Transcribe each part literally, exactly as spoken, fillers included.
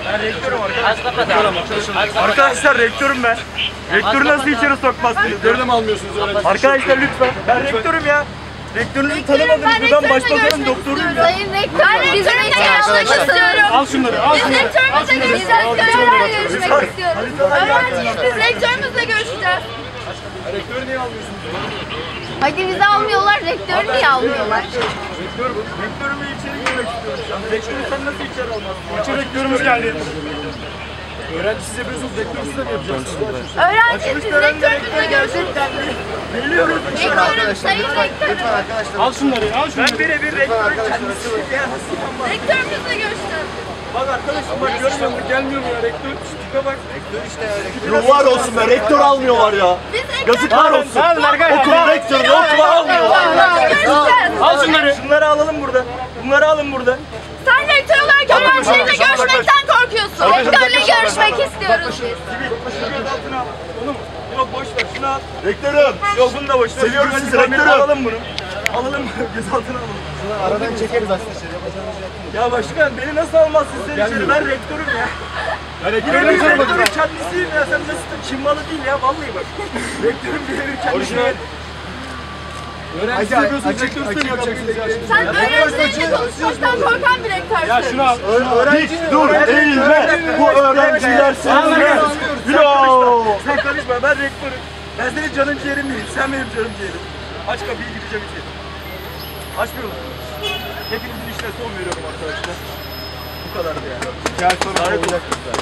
Ben rektörüm arkadaşlar. Arkadaşlar rektörüm ben. Rektörü nasıl içeri sokmazsınız? Rektörü de mi almıyorsunuz öğrenci? Arkadaşlar lütfen. Ben rektörüm ya. Rektörünüzü tanımadınız. Buradan başbakanın doktoruyum ya. Sayın rektör, bizim rektörümüzle görüşmek istiyorum. Al şunları, al Biz şunları. rektörümüzle görüşmek istiyoruz. Öğrenciyiz, biz rektörümüzle görüşeceğiz. Rektörü niye almıyorsunuz? Hadi bizi almıyorlar, rektörü niye almıyorlar? Rektör bu. Rektörümle içeri girmek istiyorum şu an. Rektörü sen nasıl içeri almazsın? İçeri rektörümüz geldi. Öğrenci siz yapıyorsunuz, rektör siz de mi yapacaksınız? Öğrenciyiz, biz rektörümüzle görüşmek istiyoruz. Geliyoruz. Rektörüm, sayın rektörüm. Al şunları, al şunları. Ben birebir rektörün kendisiyim ya. Nasıl yapmam? Rektörümüzle görüşeceğiz. Bak arkadaşım bak görmüyor musun? Gelmiyor mu ya rektör? Tipe bak. Rektör işte ya. Ruhlar olsun be, rektör almıyorlar ya. Biz rektör Yazıklar olsun. Okul rektörünü okula almıyorlar. görüşeceğiz. Al şunları. Şunları alalım burada. Bunları alın burada. Sen rektör olarak öğrencilerle görüşmekten korkuyorsun. Rektörle görüşmek istiyoruz biz. Gözaltına al. Oğlum yok boş ver şunu al. Rektörüm. Yok bunu da boş ver. Seviyorum Hadi sizi, tamir, rektörüm. Alalım bunu. Alalım gözaltına alalım. Aradan çekeriz aslında. Ya başkan beni nasıl almazsın sen içeri? Ben rektörüm ya. Ya rektörü Birebir rektörü rektörün kendisiyim ya. Sen nasıl Çin malı değil ya vallahi bak. Rektörüm birebir kendisiyim. Öğrenci siz yapıyorsunuz, rektör siz de mi yapacaksınız ya? Sen öğrencilerle konuşmaktan korkan bir rektörsün. Ya şunu al. Hiç dur, eğilme. Bu öğrenciler senin. Yo. Sen karışma ben rektörüm. Ben senin canın ciğerin değilim. Sen benim canım ciğerim. Aç kapıyı gideceğim içeri. Açmıyor musun? Hepinizin işine son veriyorum arkadaşlar. Bu kadardı yani. Gel sonra olacak bizler.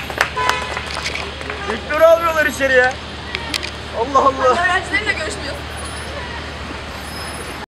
Rektörü almıyorlar içeriye. Allah Allah. Öğrencilerle görüşmüyorsun.